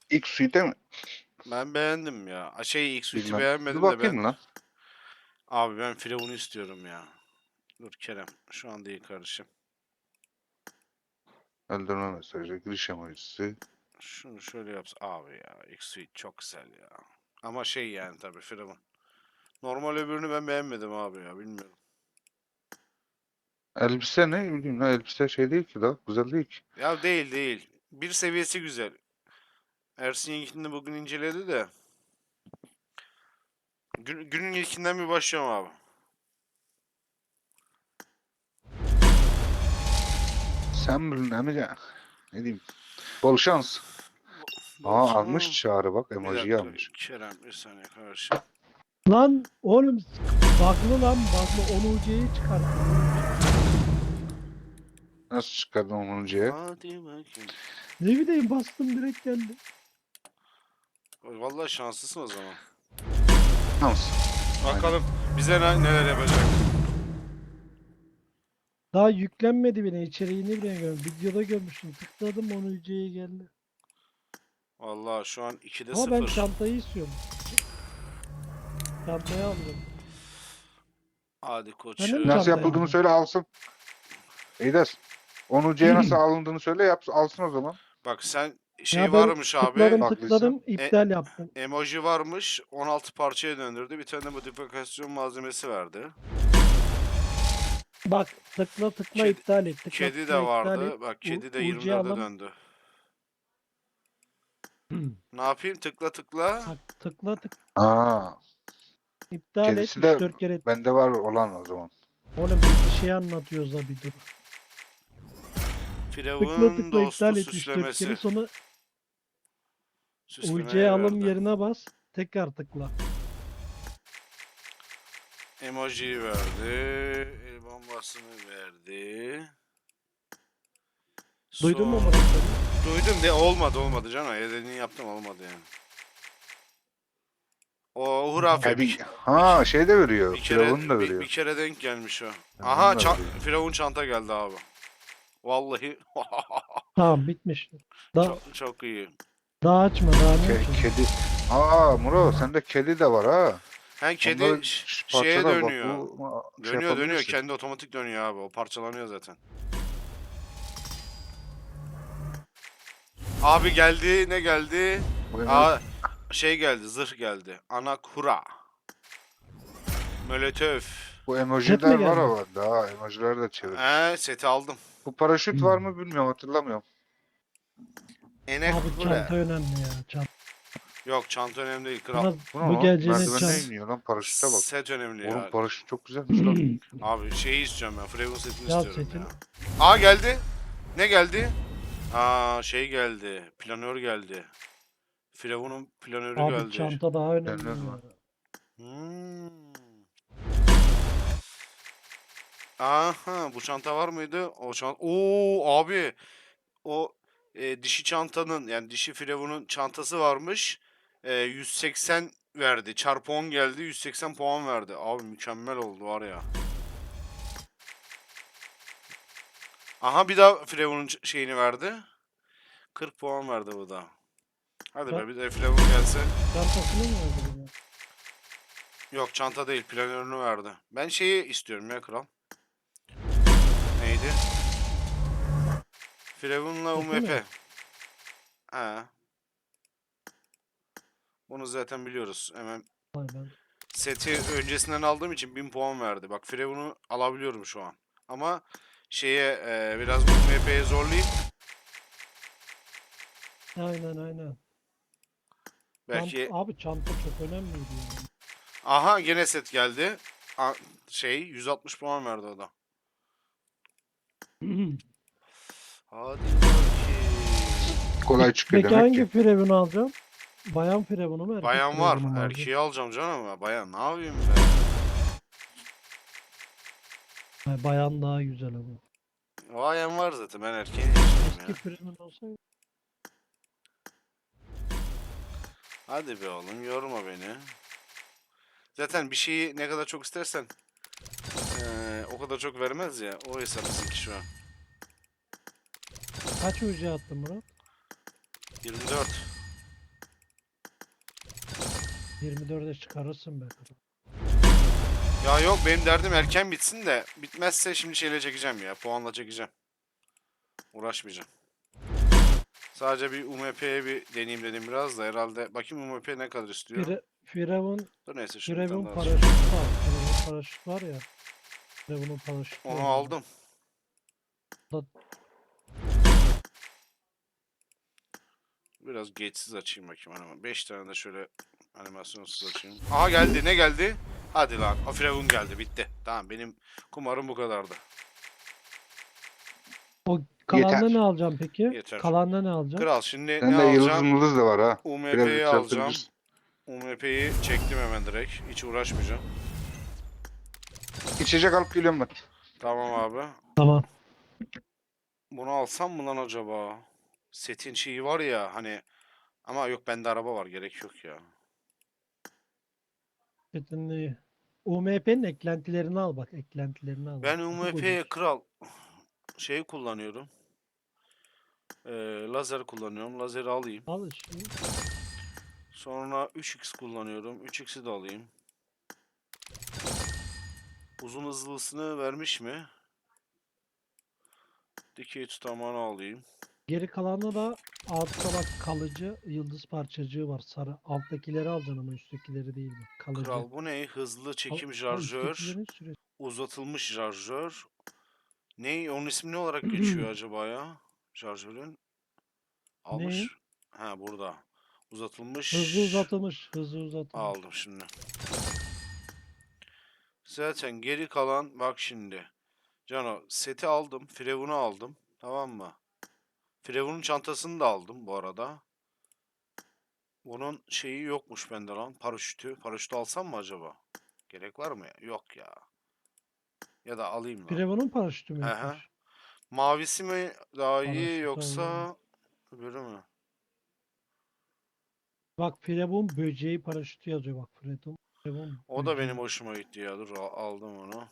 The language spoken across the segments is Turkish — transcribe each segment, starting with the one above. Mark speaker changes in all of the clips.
Speaker 1: İlk suite mi?
Speaker 2: Ben beğendim ya. Şey, ilk suite'i
Speaker 1: Bilmem. Bir
Speaker 2: beğenmedim de ben...
Speaker 1: bakayım lan.
Speaker 2: Abi ben Firavun'u istiyorum ya. Dur Kerem. Şu an değil kardeşim.
Speaker 1: Öldürme mesajı, giriş emojisi.
Speaker 2: Şunu şöyle yapsın. Abi ya, ilk suite çok güzel ya. Ama şey yani tabii Firavun. Normal öbürünü ben beğenmedim abi ya, bilmiyorum.
Speaker 1: Elbise ne bileyim lan, elbise şey değil ki da güzel değil ki.
Speaker 2: Ya değil değil. Bir seviyesi güzel. Ersin ilkini bugün inceledi de. Günün ilkinden bir başlayalım abi.
Speaker 1: Sen bilin amca. Ne diyeyim. Bol şans. Aa almış
Speaker 2: Bolsonaro.
Speaker 1: çağrı bak,
Speaker 2: Bir
Speaker 1: emojiyi
Speaker 2: dakika
Speaker 1: almış.
Speaker 2: Kerem, bir saniye kardeşim.
Speaker 3: Lan oğlum bug'lı lan bug'lı 10 UC'yi çıkarttım.
Speaker 1: Nasıl çıkardın onuncuya?
Speaker 2: Hadi bakayım.
Speaker 3: Ne bileyim bastım direkt geldi.
Speaker 2: Vallahi şanslısın o zaman.
Speaker 1: Şans. Aynen.
Speaker 2: Bakalım bize neler yapacak.
Speaker 3: Daha yüklenmedi bile içeriğini bile görmedim. Videoda görmüştüm. Tıkladım 10 UC'ye geldi.
Speaker 2: Vallahi şu an 2'de
Speaker 3: Ama ben
Speaker 2: 0.
Speaker 3: çantayı istiyorum. Çantayı aldım.
Speaker 2: Hadi
Speaker 3: Sen de mi
Speaker 2: koçum.
Speaker 1: Nasıl
Speaker 3: çantayı
Speaker 1: yapıldığını
Speaker 3: aldın?
Speaker 1: söyle alsın. İyidir. Onuncuya nasıl alındığını söyle alsın o zaman.
Speaker 2: Bak sen, şey
Speaker 3: Ya ben
Speaker 2: varmış abi.
Speaker 3: tıkladım
Speaker 1: Haklıysa.
Speaker 3: tıkladım iptal yaptım.
Speaker 2: Emoji varmış. 16 parçaya döndürdü. Bir tane de modifikasyon malzemesi verdi.
Speaker 3: Bak tıkla tıkla
Speaker 2: Kedi,
Speaker 3: iptal et. Tıkla
Speaker 2: kedi de
Speaker 3: tıkla iptal et.
Speaker 2: vardı. Bak kedi de
Speaker 3: UC
Speaker 2: 24'e
Speaker 3: alım.
Speaker 2: döndü. Ne yapayım? Tıkla tıkla.
Speaker 3: Bak tıkla tıkla
Speaker 1: Aa,
Speaker 3: iptal et.
Speaker 1: kedisi de
Speaker 3: 3-4 kere.
Speaker 1: bende var olan o zaman.
Speaker 3: Oğlum bir şey anlatıyoruz da bir dur. Tıkla
Speaker 2: Firavun
Speaker 3: tıkla
Speaker 2: dostu
Speaker 3: iptal et 3-4 kere
Speaker 2: süslemesi.
Speaker 3: sonra UC
Speaker 2: Süslemeye
Speaker 3: alım
Speaker 2: verdi.
Speaker 3: yerine bas. Tekrar tıkla.
Speaker 2: Emoji verdi. El bombasını verdi.
Speaker 3: Duydun mu
Speaker 2: Son...
Speaker 3: Murat beni?
Speaker 2: Duydum de olmadı canım. Dediğini yaptım, olmadı yani. O hurafe
Speaker 1: Ha, şey de veriyor.
Speaker 2: bir kere
Speaker 1: Firavun da
Speaker 2: bir
Speaker 1: veriyor.
Speaker 2: kere denk gelmiş o. Aha
Speaker 1: Firavun da veriyor.
Speaker 2: Firavun çanta geldi abi. Vallahi
Speaker 3: Tamam bitmiş. Daha,
Speaker 2: çok iyi.
Speaker 3: daha açma daha ne açalım?
Speaker 1: Kedi. Aa Muro sende kedi de var ha.
Speaker 2: Hem kedi
Speaker 1: Onları
Speaker 2: şeye
Speaker 1: parçalar bak,
Speaker 2: dönüyor.
Speaker 1: bu şey
Speaker 2: Dönüyor.
Speaker 1: yapabilirsin.
Speaker 2: Kendi otomatik dönüyor abi. O parçalanıyor zaten. Abi geldi. Ne geldi?
Speaker 1: Bu emoji,
Speaker 2: Aa, şey geldi. Zırh geldi. Anakura. Molotov.
Speaker 1: bu
Speaker 3: Set mi
Speaker 1: emojiler var
Speaker 3: geldi?
Speaker 1: ama daha emojiler de çevirmiş.
Speaker 2: Seti aldım.
Speaker 1: Bu paraşüt var mı bilmiyorum, hatırlamıyorum.
Speaker 3: Abi
Speaker 2: Enekura.
Speaker 3: çanta önemli ya. Çanta.
Speaker 2: Yok, çanta önemli değil kral.
Speaker 3: Murat
Speaker 1: Bu ne
Speaker 3: bu
Speaker 1: lan?
Speaker 3: geleceğine
Speaker 1: Merdivenden
Speaker 3: çanta.
Speaker 1: iniyor lan, paraşüte bak.
Speaker 2: Set önemli
Speaker 1: Oğlum
Speaker 2: ya.
Speaker 1: paraşüt çok güzelmiş lan.
Speaker 2: Abi şeyi istiyorum ben. Firavun setini
Speaker 3: Ya
Speaker 2: istiyorum
Speaker 3: setin.
Speaker 2: ya. Aa geldi. Ne geldi? Aa şey geldi. Planör geldi. Firavun'un planörü
Speaker 3: Abi
Speaker 2: geldi.
Speaker 3: çanta daha önemli
Speaker 1: Denir mi?
Speaker 3: ya.
Speaker 2: Hmm. Aha, bu çanta var mıydı? O çanta. Oo abi. O dişi çantanın, yani dişi Firavun'un çantası varmış. 180 verdi. Çarpı 10 geldi. 180 puan verdi. Abi mükemmel oldu var ya. Aha bir daha Firavun'un şeyini verdi. 40 puan verdi bu da. Hadi be,
Speaker 3: Ça-
Speaker 2: bir de Firavun gelse.
Speaker 3: Çantasını mı öldürdü?
Speaker 2: Yok, çanta değil, planörünü verdi. Ben şeyi istiyorum ya kral. Neydi? Firavun'la
Speaker 3: Seti mi?
Speaker 2: UMP. Ha. Bunu zaten biliyoruz. Hemen
Speaker 3: Vay ben.
Speaker 2: seti öncesinden aldığım için 1000 puan verdi. Bak Firavun'u alabiliyorum şu an. Ama şeye biraz UMP'ye zorlayıp
Speaker 3: Aynen.
Speaker 2: belki...
Speaker 3: Abi çanta çok önemliydi ya.
Speaker 2: Aha gene set geldi. Şey 160 puan verdi o da. Hadi bakayım.
Speaker 1: Kolay çıkıyor
Speaker 3: Peki
Speaker 1: demek
Speaker 3: hangi
Speaker 1: ki.
Speaker 3: firavunu alacağım? Bayan firavunu mu erkek
Speaker 2: Bayan var.
Speaker 3: firavunu mu alacağım?
Speaker 2: Erkeği alacağım canım. Bayan ne yapayım be?
Speaker 3: Bayan daha güzel ama.
Speaker 2: Bayan var zaten. Ben erkeği istiyorum
Speaker 3: Eski
Speaker 2: ya.
Speaker 3: firavun olsaydı.
Speaker 2: Hadi be oğlum, yorma beni. Zaten bir şeyi ne kadar çok istersen o kadar çok vermez ya. O hesap bizimki şu an.
Speaker 3: Kaç UC attın Murat?
Speaker 2: 24.
Speaker 3: 24'e çıkarırsın be kral.
Speaker 2: Ya yok, benim derdim erken bitsin de bitmezse şimdi şeyle çekeceğim ya. Puanla çekeceğim. Uğraşmayacağım. Sadece bir UMP'ye bir deneyeyim dedim biraz da herhalde. Bakayım UMP ne kadar istiyor.
Speaker 3: Firavun
Speaker 2: Dur neyse şunu bir tane
Speaker 3: Firavun
Speaker 2: daha açayım.
Speaker 3: paraşütü al. Firavun paraşüt var ya. Firavun'un paraşütü
Speaker 2: Onu
Speaker 3: var.
Speaker 2: aldım.
Speaker 3: Da-
Speaker 2: Biraz geçsiz açayım bakayım animasyon. 5 tane de şöyle animasyonsuz açayım. Aha geldi. Ne geldi? Hadi lan. O Firavun geldi. Bitti. Tamam, benim kumarım bu kadardı.
Speaker 3: O
Speaker 1: Yeter.
Speaker 3: kalanda ne alacağım peki?
Speaker 2: Yeter.
Speaker 3: Kalanda ne alacağım?
Speaker 2: Kral şimdi ne
Speaker 1: Bende yıldız
Speaker 2: alacağım?
Speaker 1: mıldız da var ha. Biraz
Speaker 2: UMP'yi alacağım.
Speaker 1: yükseltebilirsin.
Speaker 2: UMP'yi çektim hemen direkt. Hiç uğraşmayacağım.
Speaker 1: İçecek alıp geliyorum ben.
Speaker 2: Tamam abi.
Speaker 3: Tamam.
Speaker 2: Bunu alsam mı lan acaba? Setin şeyi var ya hani, ama yok, bende araba var, gerek yok ya.
Speaker 3: Şimdi UMP'nin eklentilerini al bak. Eklentilerini al
Speaker 2: Ben
Speaker 3: bak. Çok
Speaker 2: UMP'ye
Speaker 3: ucuz.
Speaker 2: kral şey kullanıyorum. Lazer kullanıyorum. Lazeri alayım.
Speaker 3: Al işte.
Speaker 2: Sonra 3x kullanıyorum. 3x'i de alayım. Uzun hızlısını vermiş mi? Dikey tutamağını alayım.
Speaker 3: Geri kalanı da altta bak kalıcı yıldız parçacığı var. Sarı. Alttakileri alacaksın ama üsttekileri değil bak. Kalıcı.
Speaker 2: Kral bu ne? Hızlı çekim şarjör.
Speaker 3: Üsttekilerin süresi.
Speaker 2: Uzatılmış şarjör. Ne? Onun ismi ne olarak geçiyor acaba ya? Şarjörün.
Speaker 3: Neyin?
Speaker 2: Almış. Ha, burada. Uzatılmış.
Speaker 3: Hızlı uzatılmış. Hızlı uzatılmış.
Speaker 2: Aldım şimdi. Zaten geri kalan bak şimdi. Cano seti aldım. Firavun'u aldım. Tamam mı? Firavun'un çantasını da aldım bu arada. Bunun şeyi yokmuş bende lan. Paraşütü. Paraşütü alsam mı acaba? Gerek var mı ya? Yok ya. Ya da alayım lan.
Speaker 3: Firavun'un paraşütü mü
Speaker 2: He he.
Speaker 3: yokmuş?
Speaker 2: Mavisi mi daha iyi
Speaker 3: Paraşütü alalım.
Speaker 2: yoksa öbürü mü?
Speaker 3: Bak Firavun böceği paraşütü yazıyor bak Firavun
Speaker 2: O da benim
Speaker 3: böceği.
Speaker 2: hoşuma gitti ya. Dur aldım onu.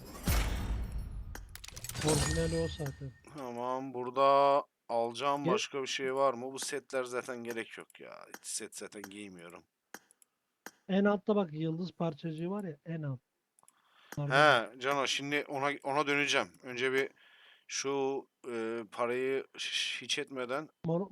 Speaker 3: Orijinali o zaten.
Speaker 2: Tamam, burada alacağım
Speaker 3: Ge-
Speaker 2: başka bir şey var mı? Bu setler zaten gerek yok ya. Hiç set zaten giymiyorum.
Speaker 3: En altta bak yıldız parçacığı var ya en alt. Bunlardan al.
Speaker 2: He Cano, şimdi ona döneceğim. Önce bir şu parayı hiç etmeden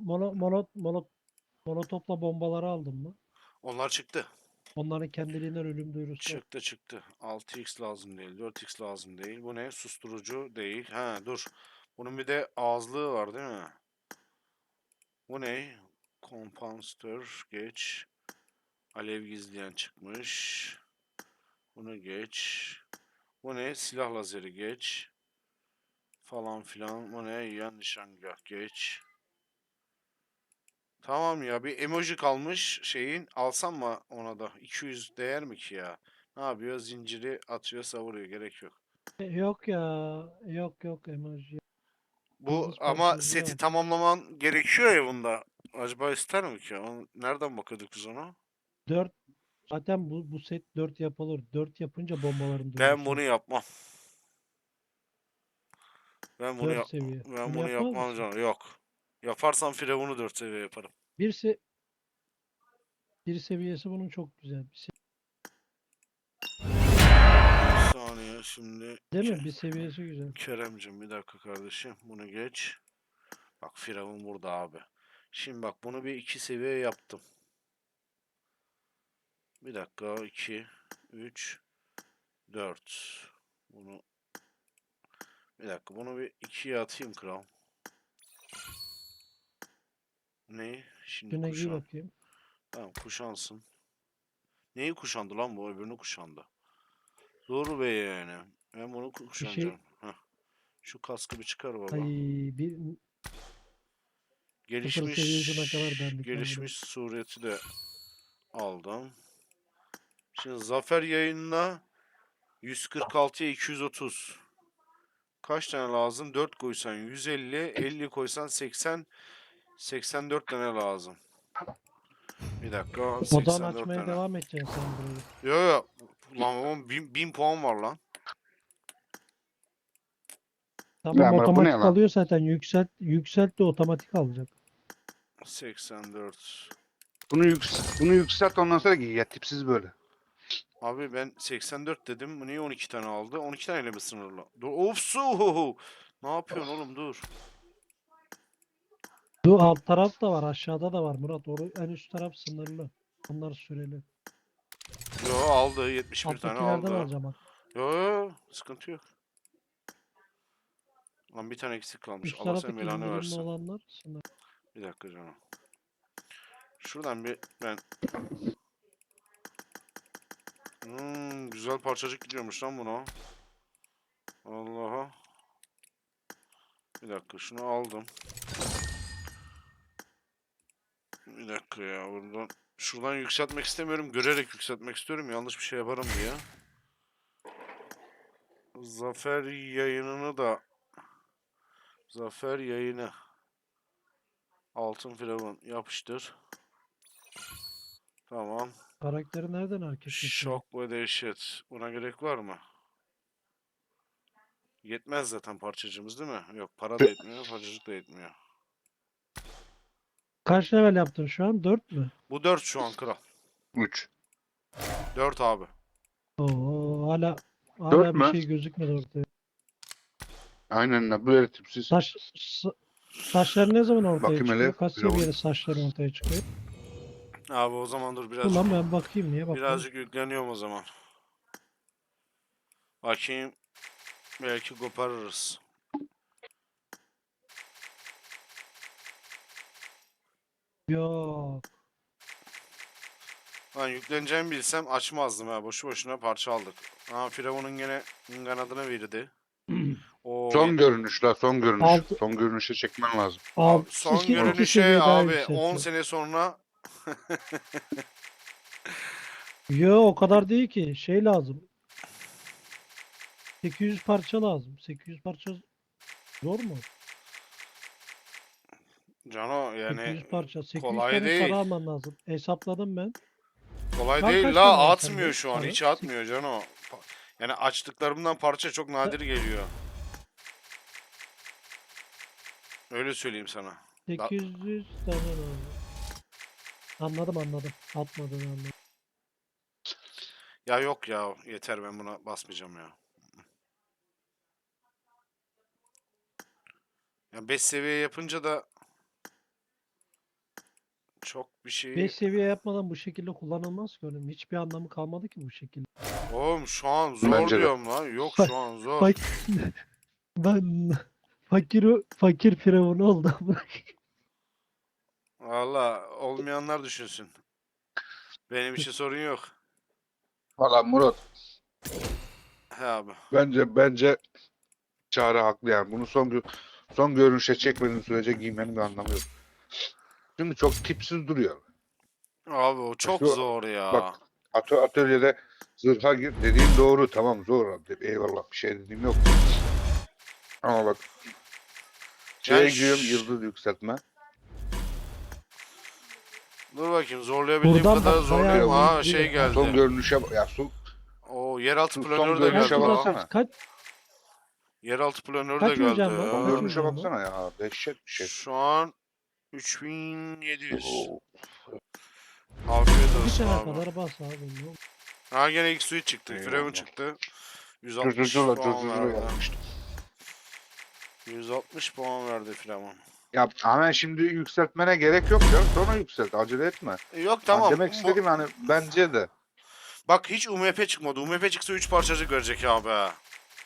Speaker 3: Molotofla bombaları aldın mı?
Speaker 2: onlar çıktı.
Speaker 3: Onların kendiliğinden ölüm duyurusu var.
Speaker 2: Çıktı. 6x lazım değil. 4x lazım değil. Bu ne? Susturucu değil. Ha dur. Bunun bir de ağızlığı var değil mi? Bu ne? Kompansatör geç. Alev gizleyen çıkmış. Bunu geç. Bu ne? Silah lazeri geç. Falan filan. Bu ne? Yan nişangah geç. Tamam ya, bir emoji kalmış şeyin. Alsam mı ona da? 200 değer mi ki ya? Ne yapıyor? Zinciri atıyor, savuruyor. Gerek yok.
Speaker 3: Yok ya. Yok emoji.
Speaker 2: Bu
Speaker 3: Yıldız
Speaker 2: ama
Speaker 3: parçacığı
Speaker 2: seti
Speaker 3: al.
Speaker 2: tamamlaman gerekiyor ya bunda. Acaba ister mi ki? Nereden bakıyorduk biz ona?
Speaker 3: 4 zaten bu set 4 yapılır. 4 yapınca bombaların
Speaker 2: Ben
Speaker 3: duyurusu
Speaker 2: bunu
Speaker 3: var.
Speaker 2: yapmam. Ben bunu
Speaker 3: 4
Speaker 2: yap
Speaker 3: seviye.
Speaker 2: ben
Speaker 3: Bunu
Speaker 2: bunu
Speaker 3: yapmaz
Speaker 2: yapmam
Speaker 3: mısın?
Speaker 2: canım. Yok. Yaparsam Firavun'u 4 seviye yaparım.
Speaker 3: Bir, se bir seviyesi bunun çok güzel.
Speaker 2: Bir saniye şimdi.
Speaker 3: Değil mi? Bir seviyesi güzel.
Speaker 2: Keremcim bir dakika kardeşim. Bunu geç. Bak Firavun burada abi. Şimdi bak bunu bir 2 seviye yaptım. Bir dakika, 2 3 4. Bunu bir dakika, bunu bir 2'ye atayım kral. Ne? Şimdi
Speaker 3: Şuna giy
Speaker 2: kuşan.
Speaker 3: bakayım.
Speaker 2: Tamam, kuşansın. Neyi kuşandı lan bu? Öbürünü kuşandı. Dur be yani. Ben bunu
Speaker 3: Bir şey
Speaker 2: kuşanacağım. Heh. Şu kaskı bir çıkar
Speaker 3: ay
Speaker 2: baba.
Speaker 3: bir sıfır
Speaker 2: Gelişmiş
Speaker 3: seviyesine kadar benlik lan
Speaker 2: gelişmiş
Speaker 3: burası.
Speaker 2: sureti de aldım. Şimdi zafer yayınına 146'ya 230. Kaç tane lazım? 4 koysan 150, 50 koysan 80, 84 tane lazım. Bir dakika,
Speaker 3: Odan
Speaker 2: 84
Speaker 3: açmaya
Speaker 2: tane.
Speaker 3: devam edeceksin sen burayı.
Speaker 2: Yo yo. Lan oğlum 1000 puan var lan.
Speaker 3: Tamam
Speaker 1: Ya bırak bu ne
Speaker 3: otomatik
Speaker 1: lan?
Speaker 3: alıyor zaten. Yükselt de otomatik alacak.
Speaker 2: 84.
Speaker 1: Bunu yükselt ondan sonra giy ya tipsiz böyle.
Speaker 2: Abi ben 84 dedim. Bu niye 12 tane aldı? 12 taneyle mi sınırlı? Dur. Ofsu. Ne yapıyorsun oğlum dur.
Speaker 3: Bu alt taraf da var, aşağıda da var Murat. En üst taraf sınırlı. Onlar süreli.
Speaker 2: Yo aldı. 71 tane
Speaker 3: Alttakilerden
Speaker 2: aldı.
Speaker 3: alacağım bak.
Speaker 2: Yo sıkıntı yok. Lan bir tane eksik kalmış.
Speaker 3: Üst
Speaker 2: Allah senin
Speaker 3: taraftaki
Speaker 2: belanı
Speaker 3: indirimli
Speaker 2: versin.
Speaker 3: olanlar sınırlı.
Speaker 2: Bir dakika canım. Şuradan bir ben... güzel parçacık gidiyormuş lan buna. Allah'a. Bir dakika şunu aldım. Bir dakika ya buradan. Şuradan yükseltmek istemiyorum. Görerek yükseltmek istiyorum. Yanlış bir şey yaparım diye. Zafer yayınını da. Zafer yayını. Altın firavun yapıştır. Tamam.
Speaker 3: Karakteri nereden hareket yapıyor?
Speaker 2: Şok ve dehşet. Buna gerek var mı? Yetmez zaten parçacığımız değil mi? Yok para da yetmiyor, parçacık da yetmiyor.
Speaker 3: Kaç level yaptın şu an? 4 mü?
Speaker 2: Bu 4 şu an kral.
Speaker 1: 3.
Speaker 2: 4 abi.
Speaker 3: Oo, hala
Speaker 1: 4
Speaker 3: bir
Speaker 1: mü?
Speaker 3: şey gözükmedi ortaya.
Speaker 1: Aynen la böyle tipsiz.
Speaker 3: Saçları ne zaman ortaya
Speaker 1: Bakayım hele.
Speaker 3: çıkıyor? Kaç
Speaker 1: Firavun.
Speaker 3: seviyede saçları ortaya çıkıyor?
Speaker 2: Abi o zaman dur birazcık.
Speaker 3: Ulan ben bakayım, niye bakıyorum?
Speaker 2: Birazcık yükleniyorum o zaman. Bakayım. Belki koparırız.
Speaker 3: Yok.
Speaker 2: Lan yükleneceğimi bilsem açmazdım ha. Boşu boşuna parça aldık. Ha Firavun'un gene kanadına verdi. O
Speaker 1: Son görünüş la son görünüş.
Speaker 3: Altı-
Speaker 1: Son görünüşe çekmen lazım.
Speaker 2: abi, son
Speaker 3: iki
Speaker 2: görünüşe
Speaker 3: seviye daha
Speaker 2: abi 10
Speaker 3: yükseltiyor.
Speaker 2: sene sonra
Speaker 3: Yo, o kadar değil ki. Şey lazım. 800 parça lazım. 800 parça zor mu?
Speaker 2: Cano yani
Speaker 3: 800 parça. 800
Speaker 2: kolay
Speaker 3: tane
Speaker 2: değil.
Speaker 3: sarı alman lazım. Hesapladım ben.
Speaker 2: Kolay
Speaker 3: Şu an
Speaker 2: değil
Speaker 3: kaç
Speaker 2: la
Speaker 3: tane var
Speaker 2: atmıyor
Speaker 3: sende
Speaker 2: şu an
Speaker 3: sarı?
Speaker 2: hiç atmıyor Cano. Yani açtıklarımdan parça çok nadir geliyor. Öyle söyleyeyim sana.
Speaker 3: 800 tane lazım. Anladım. Atmadığını anladım.
Speaker 2: Ya yok ya yeter ben buna basmayacağım ya. Ya 5 seviye yapınca da çok bir şey...
Speaker 3: 5 seviye yapmadan bu şekilde kullanılmaz ki oğlum. Hiçbir anlamı kalmadı ki bu şekilde.
Speaker 2: Oğlum şu an zor
Speaker 1: Bence de.
Speaker 2: diyorum lan. Yok
Speaker 3: Bak-
Speaker 2: şu an zor.
Speaker 3: Bak ben fakir firavun oldum.
Speaker 2: Valla olmayanlar düşünsün. Benim için sorun yok.
Speaker 1: Valla Murat
Speaker 2: He abi.
Speaker 1: bence Çağrı haklı yani. Bunu son görünüşe çekmediğin sürece giymenin bir anlamı yok. Çünkü çok tipsiz duruyor.
Speaker 2: Abi o çok
Speaker 1: Şu-
Speaker 2: zor ya.
Speaker 1: Bak atölyede zırha gir dediğin doğru tamam zor abi. Eyvallah bir şey dediğim yok. Ama bak şeye
Speaker 2: Yani
Speaker 1: giriyorum yıldız yükseltme.
Speaker 2: dur bakayım zorlayabildiğim
Speaker 3: Buradan
Speaker 2: kadar
Speaker 3: bak,
Speaker 2: zorlayayım.
Speaker 3: bayağı
Speaker 2: Aa
Speaker 3: iyi
Speaker 2: şey
Speaker 3: duruyor.
Speaker 1: Son
Speaker 2: geldi.
Speaker 1: görünüşe ya
Speaker 2: O yeraltı
Speaker 1: son
Speaker 2: planörü de
Speaker 1: görünüşe
Speaker 2: geldi
Speaker 3: Kaç
Speaker 2: lan.
Speaker 1: baksana.
Speaker 3: burası?
Speaker 2: Yeraltı planörü de
Speaker 3: Kaç
Speaker 2: geldi.
Speaker 3: hocam var?
Speaker 1: Son
Speaker 3: Kaç
Speaker 1: görünüşe
Speaker 3: hocam var?
Speaker 1: baksana ya. Dehşet bir şey.
Speaker 2: Şu an 3700.
Speaker 1: Oo.
Speaker 2: Afiyet
Speaker 3: Bir
Speaker 2: olsun
Speaker 3: sene
Speaker 2: abi.
Speaker 3: kadar bas abi. Ne olur.
Speaker 2: Ha gene ilk suyu çıktı.
Speaker 1: Eyvallah.
Speaker 2: Firavun çıktı. 160
Speaker 1: Cırcırcıla
Speaker 2: puan
Speaker 1: cırcırcıla
Speaker 2: verdi.
Speaker 1: yapmıştım.
Speaker 2: 160 puan verdi Firavun.
Speaker 1: Ya ama şimdi yükseltmene gerek yok ya. Sonra yükselt. Acele etme.
Speaker 2: Yok
Speaker 1: Tamam.
Speaker 2: tamam.
Speaker 1: Demek istediğim hani bence de.
Speaker 2: Bak hiç UMP çıkmadı. UMP çıksa 3 parçacık verecek abi. Ha.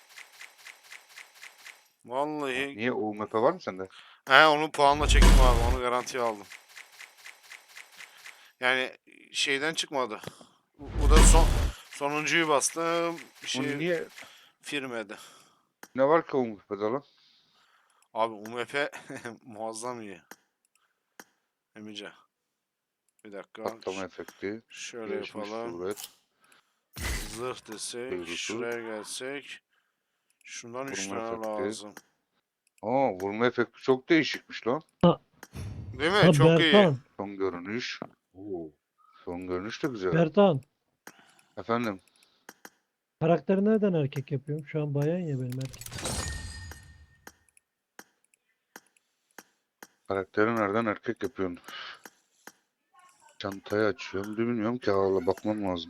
Speaker 2: Vallahi.
Speaker 1: Niye UMP var mı sende?
Speaker 2: He onu puanla çektim abi. Onu garantiye aldım. Yani şeyden çıkmadı. Bu da sonuncuyu bastım. Bir
Speaker 1: Bunu
Speaker 2: şey
Speaker 1: niye
Speaker 2: firmedi.
Speaker 1: ne var ki UMP'de lan?
Speaker 2: Abi UMP muazzam iyi. Emice. Bir dakika.
Speaker 1: Patlama efekti.
Speaker 2: Şöyle
Speaker 1: Gelişmiş
Speaker 2: yapalım.
Speaker 1: kuvvet.
Speaker 2: Zırh desek.
Speaker 1: Duygusu.
Speaker 2: Şuraya gelsek. Şundan 3
Speaker 1: Vurma
Speaker 2: tane
Speaker 1: efekti.
Speaker 2: lazım.
Speaker 1: Aa vurma efekti çok değişikmiş lan.
Speaker 2: Değil mi?
Speaker 3: Ha,
Speaker 2: Çok iyi.
Speaker 3: Bertan.
Speaker 1: Son görünüş. Oo. Son görünüş de güzel.
Speaker 3: Bertan.
Speaker 1: Efendim.
Speaker 3: Karakteri nereden erkek yapıyorum? Şu an bayan ya benim erkek.
Speaker 1: Karakteri nereden erkek yapıyorsun? Çantayı açıyorum. Bilmiyorum ki, valla bakmam lazım.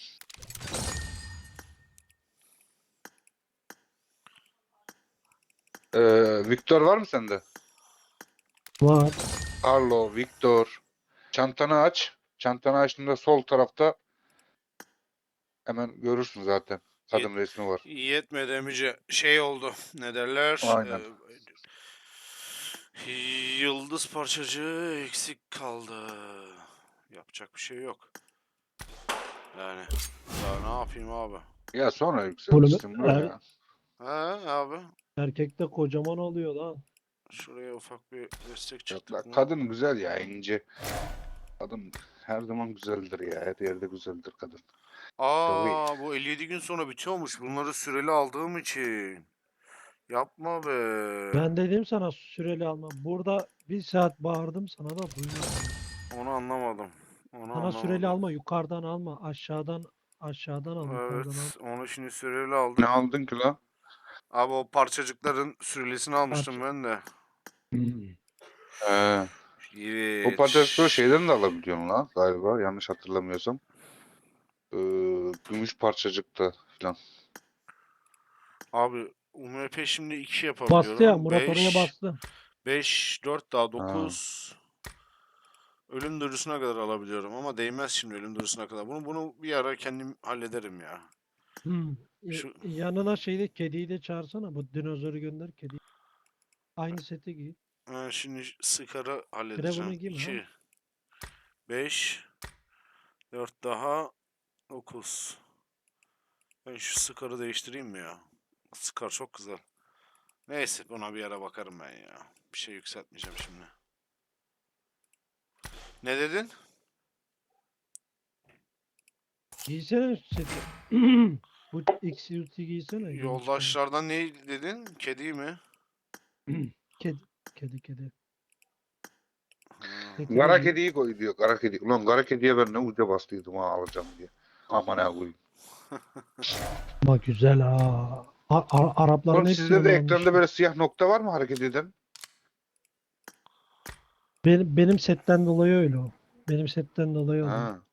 Speaker 1: Victor var mı sende?
Speaker 3: Var.
Speaker 1: Carlo, Victor. Çantanı aç. Çantanı açtığında sol tarafta hemen görürsün zaten. Kadın resmi var.
Speaker 2: Yetmedi emice. Şey oldu. Ne derler?
Speaker 1: Aynen.
Speaker 2: Yıldız parçacığı eksik kaldı. Yapacak bir şey yok. Yani daha ne yapayım abi?
Speaker 1: Ya sonra
Speaker 3: Oğlum
Speaker 1: yükseltirsin bro ya.
Speaker 2: Ha abi.
Speaker 3: erkekte kocaman oluyor lan.
Speaker 2: Şuraya ufak bir destek
Speaker 1: Yok
Speaker 2: çıktık
Speaker 1: lan,
Speaker 2: mı?
Speaker 1: kadın güzel ya, ince. Kadın her zaman güzeldir ya. Her yerde güzeldir kadın. Tabii.
Speaker 2: Bu 57 gün sonra bitiyormuş. Bunları süreli aldığım için. Yapma be.
Speaker 3: Ben dedim sana süreli alma. Burada bir saat bağırdım sana da duymadın.
Speaker 2: Onu anlamadım. Onu
Speaker 3: Sana süreli
Speaker 2: anlamadım.
Speaker 3: alma, yukarıdan alma, aşağıdan al, yukarıdan al.
Speaker 2: Evet, onu şimdi süreli
Speaker 1: Ne
Speaker 2: aldık.
Speaker 1: aldın ki lan?
Speaker 2: Abi o parçacıkların sürelisini almıştım
Speaker 3: Parça.
Speaker 2: ben de.
Speaker 1: He. O
Speaker 2: Evet.
Speaker 1: patatesleri şeyden de alabiliyorsun lan galiba, yanlış hatırlamıyorsam. Gümüş parçacıkta falan.
Speaker 2: Abi UMP şimdi 2
Speaker 3: Bastı ya,
Speaker 2: yapabiliyorum.
Speaker 3: Murat oraya
Speaker 2: 5,
Speaker 3: bastı.
Speaker 2: 5, 4 daha
Speaker 1: Ha.
Speaker 2: 9. Ölüm duyurusuna kadar alabiliyorum ama değmez şimdi ölüm duyurusuna kadar. Bunu bir ara kendim hallederim ya. Şu
Speaker 3: Yanına kediyi de çağırsana. Bu dinozoru gönder kedi. Aynı seti giy.
Speaker 2: şimdi Scar'ı
Speaker 3: Firavunu
Speaker 2: halledeceğim.
Speaker 3: giyme ha.
Speaker 2: 2, 5, 4 daha 9. Ben şu Scar'ı değiştireyim mi ya? Scar çok güzel. Neyse buna bir ara bakarım ben ya. Bir şey yükseltmeyeceğim şimdi. Ne dedin?
Speaker 3: Giysene seti. Bu XUT giysene. yeni çıkan.
Speaker 2: Yoldaşlardan ne dedin? Kedi mi?
Speaker 3: Kedi.
Speaker 2: Ha.
Speaker 3: Seti de
Speaker 1: Kara
Speaker 3: giy.
Speaker 1: kediyi koy diyor. Kara kedi. Ulan kara kediye ben ne uca bastıydım ha, alacağım diye. Aman ha koyayım.
Speaker 3: Ama güzel ha. Arapların
Speaker 1: Oğlum
Speaker 3: hepsi
Speaker 1: sizde
Speaker 3: onu
Speaker 1: de ekranda
Speaker 3: almışlar.
Speaker 1: böyle siyah nokta var mı hareket eden?
Speaker 3: Benim setten dolayı öyle o. Benim setten dolayı oluyor.
Speaker 1: Ha.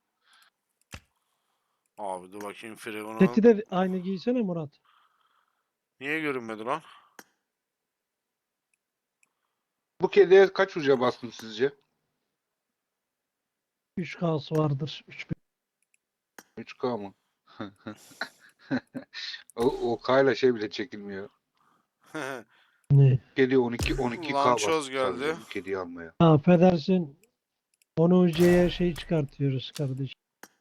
Speaker 2: Abi dur bakayım
Speaker 3: Seti
Speaker 2: Firavun'un.
Speaker 3: de aynı giysene Murat.
Speaker 2: Niye görünmedi lan?
Speaker 1: Bu kediye kaç uca bastın sizce?
Speaker 3: 3K'sı vardır. 3000.
Speaker 1: 3K mı? O K'yla şey bile çekilmiyor.
Speaker 3: Ne?
Speaker 1: Kedi 12K
Speaker 2: Lançoz
Speaker 1: bastım
Speaker 2: geldi.
Speaker 1: sadece bu kediyi almaya.
Speaker 3: Affedersin. Onu UC'ye çıkartıyoruz kardeşim.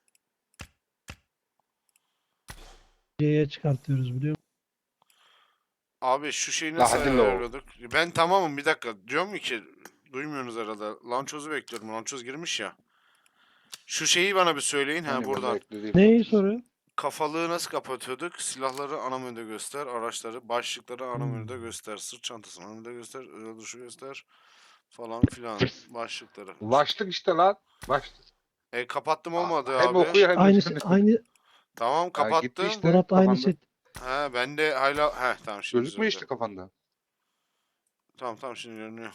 Speaker 3: UC'ye çıkartıyoruz biliyor musun?
Speaker 2: Abi şu şeyi
Speaker 1: La
Speaker 2: nasıl
Speaker 1: hadi lo.
Speaker 2: ayarlıyorduk? Ben tamamım bir dakika. Diyorum ki duymuyorsunuz herhalde. Lançoz'u bekliyorum. Lançoz girmiş ya. Şu şeyi bana bir söyleyin. Ha
Speaker 1: Hani ben de
Speaker 2: buradan.
Speaker 1: eklediğim
Speaker 3: Neyi
Speaker 1: noktası.
Speaker 3: soruyor?
Speaker 2: Kafalığı nasıl kapatıyorduk? Silahları ana menüde göster. Araçları, başlıkları ana menüde göster. Sırt çantasını ana menüde göster. Özel duruşu göster. Falan filan. Başlıkları.
Speaker 1: Başlık işte lan. Başlık.
Speaker 2: Kapattım olmadı
Speaker 1: Hem
Speaker 2: abi.
Speaker 1: okuyor hem
Speaker 3: Aynı
Speaker 1: yani.
Speaker 3: aynı
Speaker 2: Tamam
Speaker 1: Ha, gitti
Speaker 2: kapattım.
Speaker 1: işte
Speaker 3: Murat aynı
Speaker 1: kafanda.
Speaker 3: set.
Speaker 2: Ha ben de hala. Tamam şimdi
Speaker 1: Gözükmüyor
Speaker 2: düzeldi.
Speaker 1: işte kafanda.
Speaker 2: Tamam şimdi görünüyor.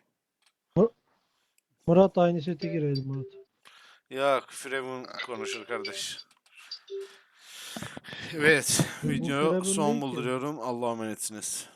Speaker 3: Murat aynı seti girelim Murat.
Speaker 2: Yok Firavun konuşur kardeş. Evet
Speaker 3: Bu
Speaker 2: video
Speaker 3: Firavun
Speaker 2: son
Speaker 3: değil ki.
Speaker 2: bulduruyorum. Allah'a emanetsiniz.